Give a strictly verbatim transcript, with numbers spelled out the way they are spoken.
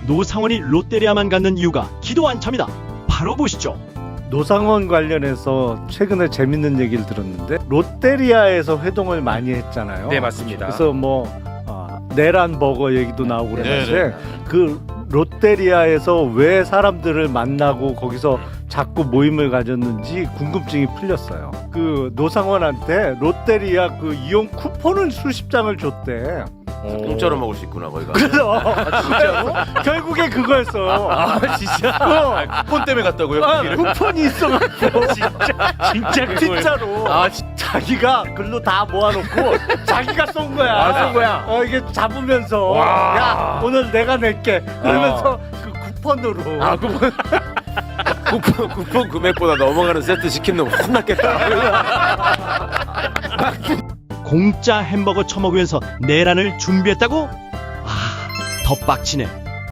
노상원이 롯데리아만 갖는 이유가 기도 안차입니다. 바로 보시죠. 노상원 관련해서 최근에 재밌는 얘기를 들었는데 롯데리아에서 회동을 많이 했잖아요. 네, 맞습니다. 그래서 뭐 어, 내란 버거 얘기도 나오고 그러는데 네, 네. 그 롯데리아에서 왜 사람들을 만나고 거기서 자꾸 모임을 가졌는지 궁금증이 풀렸어요. 그 노상원한테 롯데리아 그 이용 쿠폰을 수십 장을 줬대. 공짜로 먹을 수 있구나 거기가. 그래서 결국에 그거였어. 아 진짜? 어. 쿠폰 때문에 갔다고요? 아, 거기를? 쿠폰이 있어가지고 진짜 진짜 진짜로 아, 자기가 글로 다 모아놓고 자기가 쏜 거야. 아, 쏜 거야? 어 이게 잡으면서 와. 야 오늘 내가 낼게 그러면서 그 쿠폰으로. 아 그분 쿠폰, 쿠폰 금액보다 넘어가는 세트 시킨 놈 혼났겠다. 공짜 햄버거 처먹으면서 내란을 준비했다고? 아, 더 빡치네.